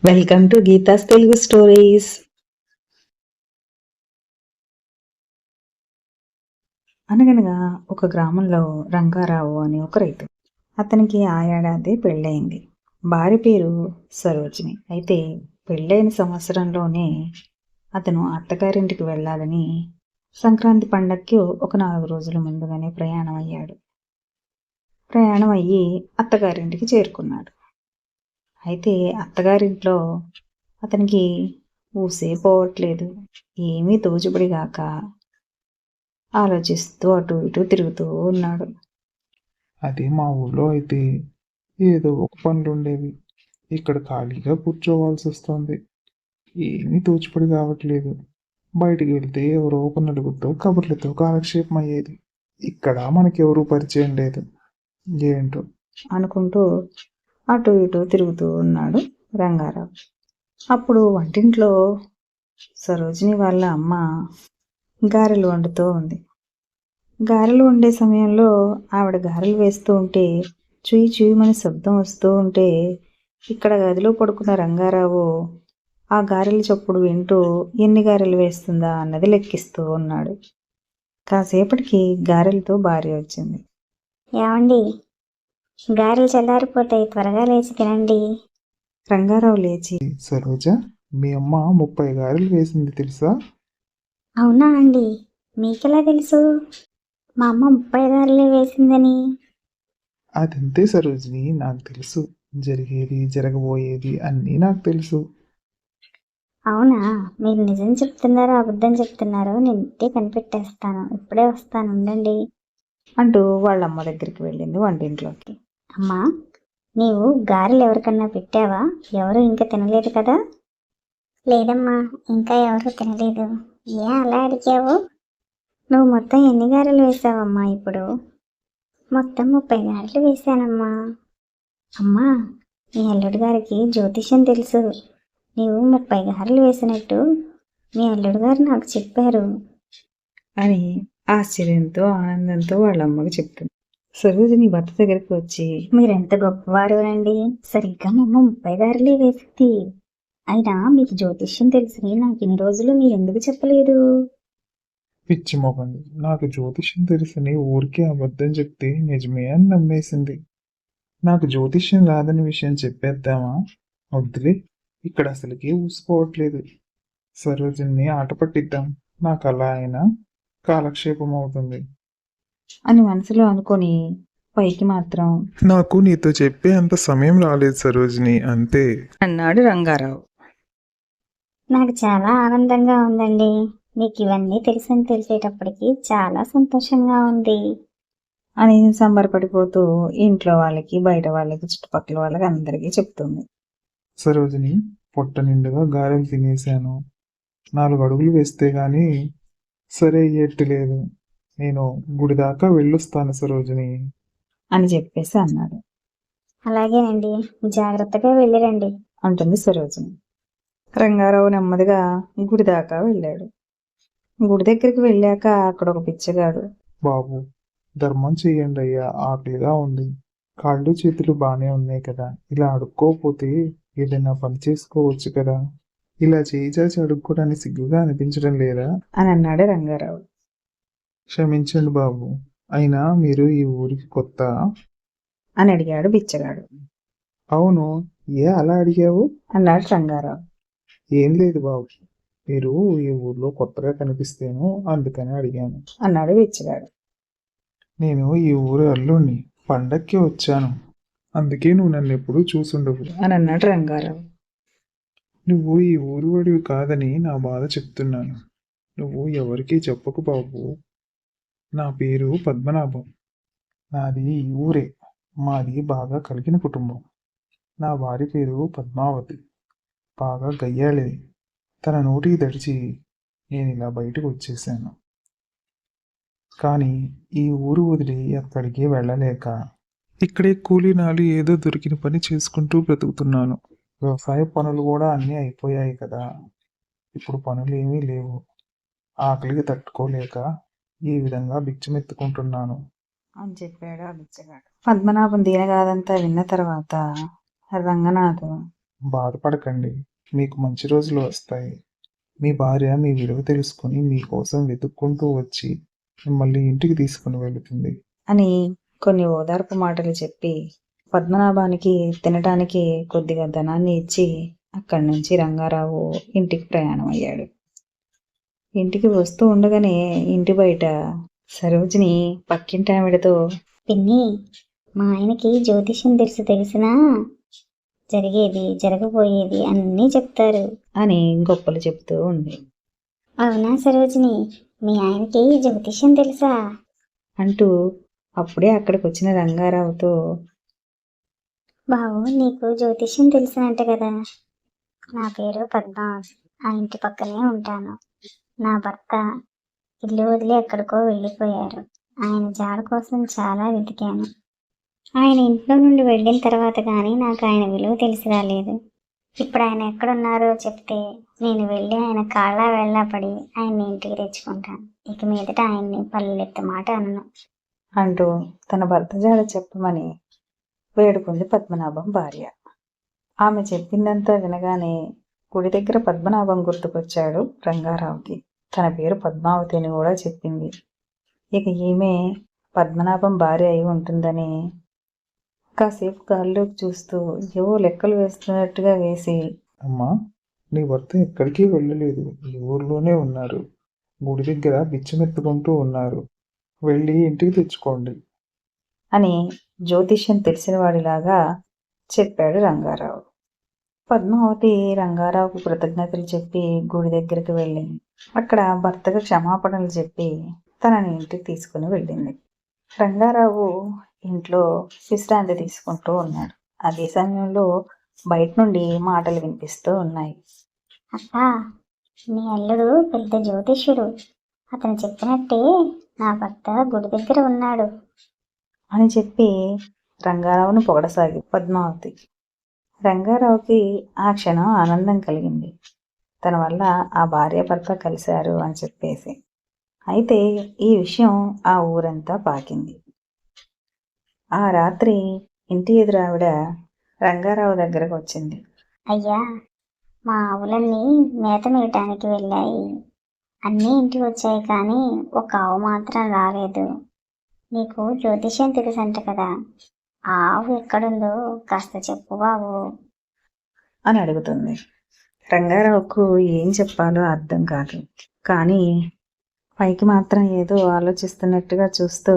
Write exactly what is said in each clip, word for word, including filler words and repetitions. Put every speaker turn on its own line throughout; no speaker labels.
Welcome to Geetha's Telugu stories. అనగనగా ఒక గ్రామంలో రంగారావు అని ఒక రైతు. అతనికి ఆ ఏడాది పెళ్ళయింది. భార్య పేరు సరోజిని. అయితే పెళ్ళైన సంవత్సరంలోనే అతను అత్తగారింటికి వెళ్ళాలని సంక్రాంతి పండగకి ఒక నాలుగు రోజుల ముందుగానే ప్రయాణం అయ్యాడు. ప్రయాణం అయ్యి అత్తగారింటికి చేరుకున్నాడు. అయితే అత్తగారింట్లో అతనికి ఊసే పోవట్లేదు. ఏమీ తోచుబడిగాక ఆలోచిస్తూ అటు ఇటు తిరుగుతూ ఉన్నాడు.
అదే మా ఊళ్ళో అయితే ఏదో ఒక పనులు ఉండేవి. ఇక్కడ ఖాళీగా కూర్చోవాల్సి వస్తుంది. ఏమీ తోచుపడి కావట్లేదు. బయటికి వెళ్తే ఎవరో ఒక నలుగురితో కబుర్లతో కాలక్షేపం అయ్యేది. ఇక్కడ మనకెవరూ పరిచయం లేదు. ఏంటో
అనుకుంటూ అటు ఇటు తిరుగుతూ ఉన్నాడు రంగారావు. అప్పుడు వంటింట్లో సరోజిని వాళ్ళ అమ్మ గారెలు వండుతూ ఉంది. గారెలు వండే సమయంలో ఆవిడ గారెలు వేస్తూ ఉంటే చుయి చుయిమని శబ్దం వస్తూ ఉంటే ఇక్కడ గదిలో పడుకున్న రంగారావు ఆ గారెల చప్పుడు వింటూ ఎన్ని గారెలు వేస్తుందా అన్నది లెక్కిస్తూ ఉన్నాడు. కాసేపటికి గారెలతో భార్య వచ్చింది.
ఏమండి, గారెలు చల్లారిపోతాయి, త్వరగా లేచి తినండి.
రంగారావు లేచి,
సరోజ, మీ అమ్మ ముప్పై గారెలు వేసింది తెలుసా?
అవునా అండి, మీకెలా తెలుసు మా అమ్మ ముప్పై గారెలే వేసిందని?
అదంతే సరోజిని, నాకు తెలుసు. జరిగేది జరగబోయేది అన్నీ నాకు తెలుసు.
అవునా, మీరు నిజం చెప్తున్నారో అబద్ధం చెప్తున్నారో నేను ఇంటే కనిపెట్టేస్తాను. ఇప్పుడే వస్తాను, ఉండండి
అంటూ వాళ్ళ అమ్మ దగ్గరికి వెళ్ళింది వంటింట్లోకి.
అమ్మా, నీవు గారెలు ఎవరికన్నా పెట్టావా? ఎవరు ఇంకా తినలేదు కదా? లేదమ్మా, ఇంకా ఎవరు తినలేదు. ఏ అలా అడిగావు? నువ్వు మొత్తం ఎన్ని గారెలు వేసావమ్మా ఇప్పుడు? మొత్తం ముప్పై గారెలు వేశానమ్మా. అమ్మా, మీ అల్లుడు గారికి జ్యోతిష్యం తెలుసు. నీవు ముప్పై గారెలు వేసినట్టు మీ అల్లుడు గారు నాకు చెప్పారు
అని ఆశ్చర్యంతో ఆనందంతో వాళ్ళ అమ్మకి చెప్తుంది. సరోజిని భర్త దగ్గరికి వచ్చి,
మీరెంత గొప్పవారు అండి, సరిగ్గా మా అమ్మ ముప్పై గారెలే వేసింది. అయినా మీకు జ్యోతిష్యం తెలిసి నాకు ఇన్ని రోజులు మీరు ఎందుకు చెప్పలేదు?
పిచ్చి మొగంది, నాకు జ్యోతిష్యం తెలుసని ఊరికే అబద్ధం చెప్తే నిజమే అని నమ్మేసింది. నాకు జ్యోతిష్యం రాదని విషయం చెప్పేద్దామా? వద్దులే, ఇక్కడ అసలుకి ఊసిపోవట్లేదు. సరోజిని ఆట పట్టిద్దాం, నాకు అలా అయినా కాలక్షేపం అవుతుంది
అని మనసులో అనుకొని పైకి మాత్రం,
నాకు నీతో చెప్పే అంత సమయం రాలేదు సరోజిని, అంతే
అన్నాడు రంగారావు.
నాకు చాలా ఆనందంగా ఉందండి. మీకు ఇవన్నీ తెలుసని తెలిసేటప్పటికి చాలా సంతోషంగా ఉంది
అని సంబరపడిపోతూ ఇంట్లో వాళ్ళకి బయట వాళ్ళకి చుట్టుపక్కల వాళ్ళకి అందరికీ చెప్తుంది.
సరోజిని, పొట్ట నిండుగా గారెలు తినేశాను. నాలుగు అడుగులు వేస్తే గాని సరే అయ్యేట్టు లేదు. నేను గుడి దాకా వెళ్ళొస్తాను సరోజిని
అని చెప్పేసి అన్నాడు.
అలాగేనండి, జాగ్రత్తగా వెళ్ళిరండి
అంటుంది సరోజిని. రంగారావు నెమ్మదిగా గుడి దాకా వెళ్ళాడు. గుడి దగ్గరికి వెళ్ళాక అక్కడ ఒక పిచ్చగాడు,
బాబు, ధర్మం చెయ్యండి అయ్యా, ఆకలిగా ఉంది. కాళ్ళు చేతులు బాగానే ఉన్నాయి కదా, ఇలా అడుక్కోపోతే ఏదైనా పని చేసుకోవచ్చు కదా. ఇలా చేయి చాచి అడుక్కోవడానికి సిగ్గుగా అనిపించడం లేదా
అని అన్నాడు రంగారావు.
క్షమించండి బాబు, అయినా మీరు ఈ ఊరికి కొత్త?
అని అడిగాడు బిచ్చగాడు.
అవును, ఏ అలా అడిగావు?
అన్నాడు రంగారావు.
ఏం లేదు బాబు, మీరు ఈ ఊర్లో కొత్తగా కనిపిస్తేను అందుకని అడిగాను
అన్నాడు బిచ్చగాడు.
నేను ఈ ఊరు అల్లుణ్ణి, పండక్కి వచ్చాను, అందుకే నువ్వు నన్ను ఎప్పుడూ చూసుండవు
అని అన్నాడు రంగారావు.
నువ్వు ఈ ఊరు వాడివి కాదని నా బాధ చెప్తున్నాను. నువ్వు ఎవరికీ చెప్పకు బాబు. నా పేరు పద్మనాభం. నాది ఈ ఊరే. మాది బాగా కలిగిన కుటుంబం. నా భార్య పేరు పద్మావతి. బాగా గయ్యాళిది. తన నోటికి తడిచి నేను ఇలా బయటకు వచ్చేసాను. కానీ ఈ ఊరు వదిలి ఎక్కడికి వెళ్ళలేక ఇక్కడే కూలీనాలు ఏదో దొరికిన పని చేసుకుంటూ బ్రతుకుతున్నాను. వ్యవసాయ పనులు కూడా అన్నీ అయిపోయాయి కదా, ఇప్పుడు పనులు ఏమీ లేవు. ఆకలికి తట్టుకోలేక ఈ విధంగా బిచ్చమెత్తుకుంటున్నాను
అని చెప్పాడు ఆ బిచ్చగాడు. పద్మనాభం దీనగాదంతా విన్న తర్వాత రంగనాథం
బాధపడకండి, మీకు మంచి రోజులు వస్తాయి. మీ భార్య మీ విలువ తెలుసుకొని మీకోసం వెతుక్కుంటూ వచ్చి మిమ్మల్ని ఇంటికి తీసుకుని వెళుతుంది.
అని కొన్ని ఓదార్పు మాటలు చెప్పి పద్మనాభానికి తినటానికి కొద్దిగా ధనాన్ని ఇచ్చి అక్కడి నుంచి రంగారావు ఇంటికి ప్రయాణం అయ్యాడు. ఇంటికి వస్తూ ఉండగానే ఇంటి బయట సరోజిని పక్కింటి ఆవిడతో,
పిన్ని, మా ఆయనకి జ్యోతిష్యం తెలుసు తెలిసినా జరిగేది జరగబోయేది అన్నీ చెప్తారు.
అని గొప్పలు చెప్తూ ఉంది.
అవునా సరోజిని, మీ ఆయనకి జ్యోతిష్యం తెలుసా?
అంటూ అప్పుడే అక్కడికి వచ్చిన రంగారావుతో,
బావు, నీకు జ్యోతిష్యం తెలిసినట్ట కదా. నా పేరు పద్మ, ఆ ఇంటి పక్కనే ఉంటాను. నా భర్త ఇల్లు వదిలి ఎక్కడికో వెళ్ళిపోయారు. ఆయన జాడ కోసం చాలా వెతికాను. ఆయన ఇంట్లో నుండి వెళ్ళిన తర్వాత కానీ నాకు ఆయన విలువ తెలిసి రాలేదు. ఇప్పుడు ఆయన ఎక్కడున్నారో చెప్తే నేను వెళ్ళి ఆయన కాళ్ళ వెళ్ళా పడి ఆయన్ని ఇంటికి తెచ్చుకుంటాను. ఇక మీదట ఆయన్ని పల్లెత్తు మాట అనను.
అంటూ తన భర్త జాడ చెప్పమని వేడుకుంది పద్మనాభం భార్య. ఆమె చెప్పిందంతా వినగానే గుడి దగ్గర పద్మనాభం గుర్తుకొచ్చాడు రంగారావుకి. తన పేరు పద్మావతి అని కూడా చెప్పింది. ఇక ఈమె పద్మనాభం భార్య అయి ఉంటుందని కాసేపు గాల్లోకి చూస్తూ ఏవో లెక్కలు వేస్తున్నట్టుగా వేసి,
అమ్మా, నీ భర్త ఎక్కడికి వెళ్ళలేదు, ఈ ఊర్లోనే ఉన్నారు. గుడి దగ్గర బిచ్చమెత్తుకుంటూ ఉన్నారు. వెళ్ళి ఇంటికి తెచ్చుకోండి
అని జ్యోతిష్యం తెలిసిన వాడిలాగా చెప్పాడు రంగారావు. పద్మావతి రంగారావుకు కృతజ్ఞతలు చెప్పి గుడి దగ్గరికి వెళ్ళింది. అక్కడ భర్తకు క్షమాపణలు చెప్పి తనని ఇంటికి తీసుకుని వెళ్ళింది. రంగారావు ఇంట్లో విశ్రాంతి తీసుకుంటూ ఉన్నాడు. అదే సమయంలో బయట నుండి మాటలు వినిపిస్తూ ఉన్నాయి.
అక్క, మీ అల్లుడు పెద్ద జ్యోతిష్యుడు. అతను చెప్పినట్టే నా భర్త గుడి దగ్గర ఉన్నాడు
అని చెప్పి రంగారావును పొగడసాగి పద్మావతి. రంగారావుకి ఆ క్షణం ఆనందం కలిగింది. తన వల్ల ఆ భార్య భర్త కలిశారు అని చెప్పేసి. అయితే ఈ విషయం ఆ ఊరంతా పాకింది. ఆ రాత్రి ఇంటి ఎదురు ఆవిడ రంగారావు దగ్గరకు వచ్చింది.
అయ్యా, మా ఆవులన్నీ మేత మేయటానికి వెళ్ళాయి. అన్నీ ఇంటికి వచ్చాయి, కానీ ఒక ఆవు మాత్రం రాలేదు. నీకు జ్యోతిష్యం తెలుసంట కదా, ఆ ఆవు ఎక్కడుందో కాస్త చెప్పు బాబు
అని అడుగుతుంది. రంగారావుకు ఏం చెప్పాలో అర్థం కాదు. కానీ పైకి మాత్రం ఏదో ఆలోచిస్తున్నట్టుగా చూస్తూ,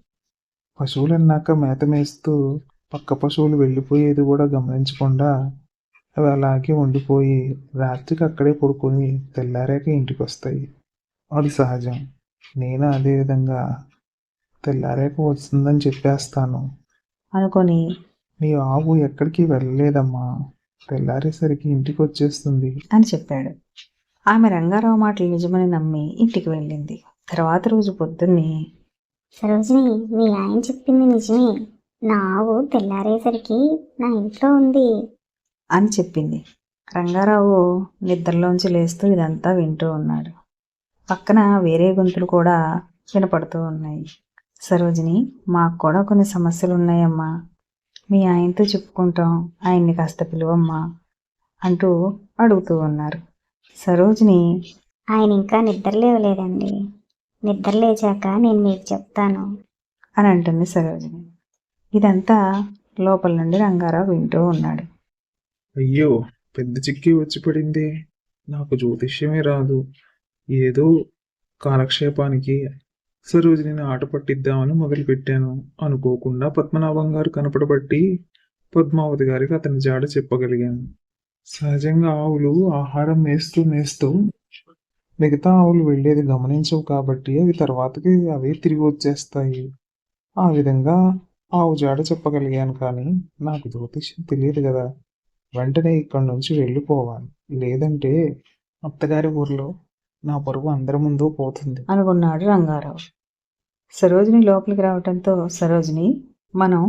పశువులన్నాక మేత మేస్తూ పక్క పశువులు వెళ్ళిపోయేది కూడా గమనించకుండా అవి అలాగే ఉండిపోయి రాత్రికి అక్కడే పడుకొని తెల్లారాక ఇంటికి వస్తాయి. అది సహజం. నేను అదే విధంగా తెల్లారాక వస్తుందని చెప్పేస్తాను.
అనుకొని,
నీ ఆవు ఎక్కడికి వెళ్ళలేదమ్మా, తెల్లారేసరికి ఇంటికి వచ్చేస్తుంది
అని చెప్పాడు. ఆమె రంగారావు మాటలు నిజమని నమ్మి ఇంటికి వెళ్ళింది. తర్వాత రోజు పొద్దున్నే,
సరోజిని, మీ ఆయన చెప్పింది నిజమే. నా ఆవు తెల్లారేసరికి నా ఇంట్లో ఉంది
అని చెప్పింది. రంగారావు నిద్రలోంచి లేస్తూ ఇదంతా వింటూ ఉన్నాడు. పక్కన వేరే గొంతులు కూడా వినపడుతూ ఉన్నాయి. సరోజిని, మాకు కూడా కొన్ని సమస్యలు ఉన్నాయమ్మా, మీ ఆయనతో చెప్పుకుంటాం, ఆయన్ని కాస్త పిలువమ్మా అంటూ అడుగుతూ ఉన్నారు. సరోజిని,
ఆయన ఇంకా నిద్ర లేవలేదండి. నిద్ర లేచాక నేను మీకు చెప్తాను
అని అంటుంది సరోజిని. ఇదంతా లోపల నుండి రంగారావు వింటూ ఉన్నాడు.
అయ్యో, పెద్ద చిక్కి వచ్చి పడింది. నాకు జ్యోతిష్యమే రాదు. ఏదో కాలక్షేపానికి సరోజిని ఆట పట్టిద్దామని మొదలుపెట్టాను. అనుకోకుండా పద్మనాభం గారు కనపడబట్టి పద్మావతి గారికి అతని జాడ చెప్పగలిగాను. సహజంగా ఆవులు ఆహారం మేస్తూ మేస్తూ మిగతా ఆవులు వెళ్ళేది గమనించవు కాబట్టి అవి తర్వాతకి అవే తిరిగి వచ్చేస్తాయి. ఆ విధంగా ఆవు జాడ చెప్పగలిగాను, కానీ నాకు జ్యోతిష్యం తెలియదు కదా. వెంటనే ఇక్కడి నుంచి వెళ్ళిపోవాలి, లేదంటే అత్తగారి ఊర్లో నా పరువు అందరి ముందు పోతుంది
అనుకున్నాడు రంగారావు. సరోజిని లోపలికి రావటంతో, సరోజిని, మనం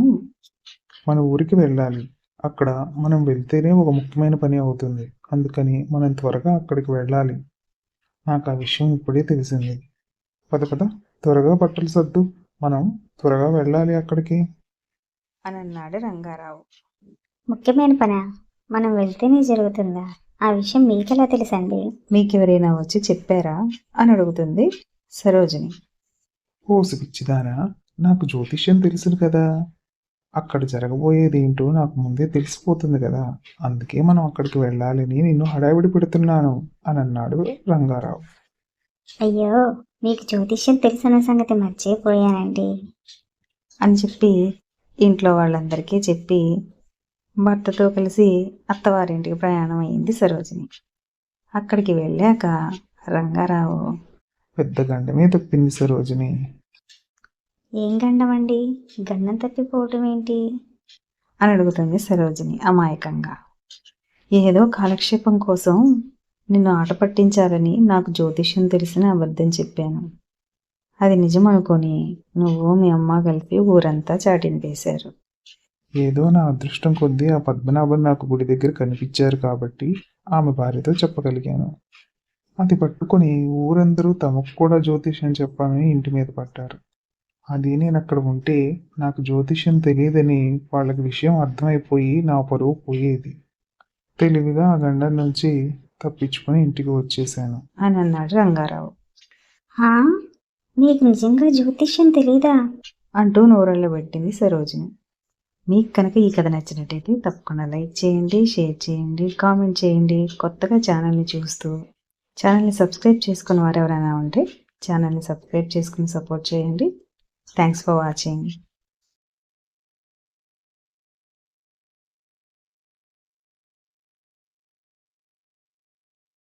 మన ఊరికి వెళ్ళాలి. అక్కడ మనం వెళ్తేనే ఒక ముఖ్యమైన పని అవుతుంది. అందుకని మనం త్వరగా అక్కడికి వెళ్ళాలి. నాకు ఆ విషయం ఇప్పుడే తెలిసింది. పద పద, త్వరగా బట్టలు సర్దు, మనం త్వరగా వెళ్ళాలి అక్కడికి
అని అన్నాడు రంగారావు.
ముఖ్యమైన పనా? మనం వెళ్తేనే జరుగుతుందా? ఆ విషయం మీకెలా తెలుసండి?
మీకెవరైనా వచ్చి చెప్పారా అని అడుగుతుంది సరోజిని.
ఓసి పిచ్చిదానా, నాకు జ్యోతిష్యం తెలుసును కదా, అక్కడ జరగబోయేది ఏంటో నాకు ముందే తెలిసిపోతుంది కదా, అందుకే మనం అక్కడికి వెళ్ళాలని నిన్ను హడావిడి పెడుతున్నాను అని అన్నాడు రంగారావు.
అయ్యో, మీకు జ్యోతిష్యం తెలిసిన సంగతి మర్చిపోయానండి
అని చెప్పి ఇంట్లో వాళ్ళందరికీ చెప్పి భర్తతో కలిసి అత్తవారింటికి ప్రయాణం అయింది సరోజిని. అక్కడికి వెళ్ళాక రంగారావు,
పెద్ద గండమే తప్పింది సరోజిని.
ఏం గండమండి? గండం తప్పిపోవటం ఏంటి?
అని అడుగుతుంది సరోజిని అమాయకంగా. ఏదో కాలక్షేపం కోసం నిన్ను ఆట పట్టించాలని నాకు జ్యోతిష్యం తెలిసిన అబద్ధం చెప్పాను. అది నిజం అనుకొని నువ్వు మీ అమ్మ కలిపి ఊరంతా చాటిని వేశారు.
ఏదో నా అదృష్టం కొద్దీ ఆ పద్మనాభం నాకు గుడి దగ్గర కనిపించారు కాబట్టి ఆమె భార్యతో చెప్పగలిగాను. అది పట్టుకొని ఊరందరూ తమకు కూడా జ్యోతిష్యం చెప్పాలని ఇంటి మీద పట్టారు. అది నేను అక్కడ ఉంటే నాకు జ్యోతిష్యం తెలియదని వాళ్ళకి విషయం అర్థమైపోయి నా పరువు పోయేది. తెలివిగా ఆ గండం నుంచి తప్పించుకొని ఇంటికి వచ్చేసాను
అని అన్నాడు రంగారావు.
హా, మీకు నిజంగా జ్యోతిష్యం తెలీదా?
అంటూ నోరళ్ళు పెట్టింది సరోజిని. మీకు కనుక ఈ కథ నచ్చినట్టయితే తప్పకుండా లైక్ చేయండి, షేర్ చేయండి, కామెంట్ చేయండి. కొత్తగా ఛానల్ని చూస్తూ ఛానల్ని సబ్స్క్రైబ్ చేసుకుని వారు ఎవరైనా ఉంటే ఛానల్ని సబ్స్క్రైబ్ చేసుకుని సపోర్ట్ చేయండి. Thanks for watching.